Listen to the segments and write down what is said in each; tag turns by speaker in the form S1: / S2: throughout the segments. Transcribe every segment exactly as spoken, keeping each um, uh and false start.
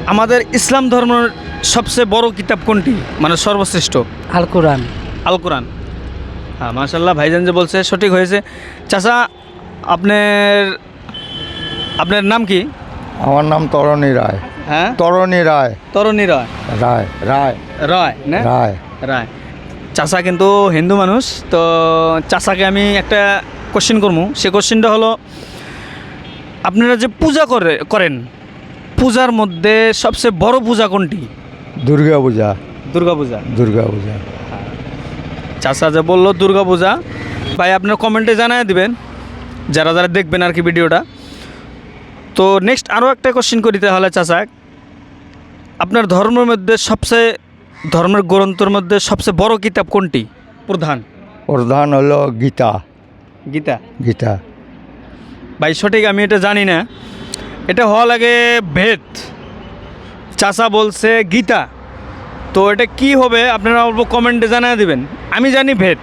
S1: আমাদের ইসলাম ধর্মের সবচেয়ে বড় কিতাব কোনটি, মানে সর্বশ্রেষ্ঠ?
S2: আল কোরআন।
S1: আল কোরআন। হ্যাঁ, মাশাআল্লাহ, ভাইজান যে বলছে সঠিক হয়েছে। চাচা, আপনার আপনার নাম কি?
S3: আমার নাম তরণী রায়।
S1: হ্যাঁ,
S3: তরণী রায়।
S1: তরুণী রায়।
S3: রায় রায়
S1: রায় না?
S3: রায়।
S1: রায়। চাচা কিন্তু হিন্দু মানুষ, তো চাচাকে আমি একটা কোশ্চেন করবো। সে কোশ্চেনটা হলো, আপনারা যে পূজা করে করেন, পূজার মধ্যে সবচেয়ে বড় পূজা কোনটি?
S3: দুর্গা পূজা।
S1: দুর্গা পূজা।
S3: দুর্গা পূজা।
S1: চাচা যে বললো দুর্গা পূজা, ভাই আপনার কমেন্টে জানায় দিবেন যারা যারা দেখবেন আর কি ভিডিওটা। তো নেক্সট আরও একটা কোশ্চেন করি তাহলে চাচা, আপনার ধর্মের মধ্যে সবচেয়ে ধর্মের গ্রন্থের মধ্যে সবচেয়ে বড় কিতাব কোনটি? প্রধান
S3: প্রধান হলো গীতা।
S1: গীতা।
S3: গীতা।
S1: ভাই সঠিক আমি এটা জানি না, এটা হওয়া লাগে বেদ। চাচা বলছে গীতা, তো এটা কি হবে আপনারা অল্প কমেন্টে জানিয়ে দিবেন। আমি জানি ভেদ।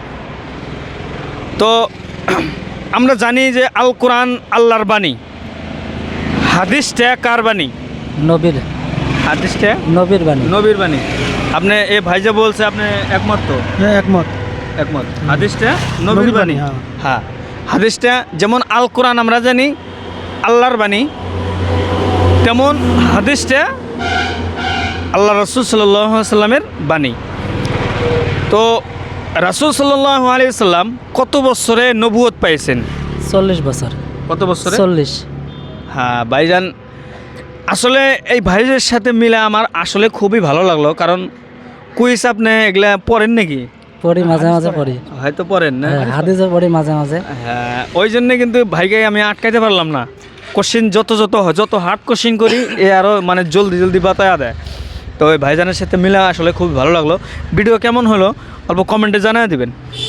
S1: তো আমরা জানি যে আল কোরআন আল্লাহর বাণী, হাদিসটা কার বাণী?
S2: নবীর।
S1: হাদিসটা
S2: নবীর বাণী।
S1: নবীর বাণী। আপনি এ ভাইজা বলছে আপনি একমত তো?
S2: হ্যাঁ, একমত।
S1: একমত। হাদিসটা নবীর বাণী। হ্যাঁ, হাদিসটা যেমন আল কোরআন আমরা জানি আল্লাহর বাণী, তেমন হাদিসটা আল্লাহ রাসূল সাল্লাল্লাহু আলাইহি সাল্লামের বাণী। তো রাসূল সাল্লাল্লাহু আলাইহি সাল্লাম কত বছরে নবুয়ত পাইছেন?
S2: চল্লিশ বছর।
S1: কত বছরে?
S2: চল্লিশ।
S1: হ্যাঁ ভাইজান, আসলে এই ভাইজের সাথে মিলে আমার আসলে খুবই ভালো লাগলো, কারণ কুইজ আপনি এগুলা পড়েন নাকি?
S2: পড়ি, মাঝে মাঝে পড়ি।
S1: হয়তো পড়েন না?
S2: হ্যাঁ, হাদিসও পড়ি মাঝে মাঝে।
S1: হ্যাঁ, ওই জন্যে কিন্তু ভাইকে আমি আটকাইতে পারলাম না। কোশ্চিন যত যত হয়, যত হার্ড কোশ্চিন করি এ আরও মানে জলদি জলদি বাতায়া দেয়। তো ওই ভাইজানের সাথে মিলে আসলে খুব ভালো লাগলো। ভিডিও কেমন হলো অল্প কমেন্টে জানিয়ে দিবেন।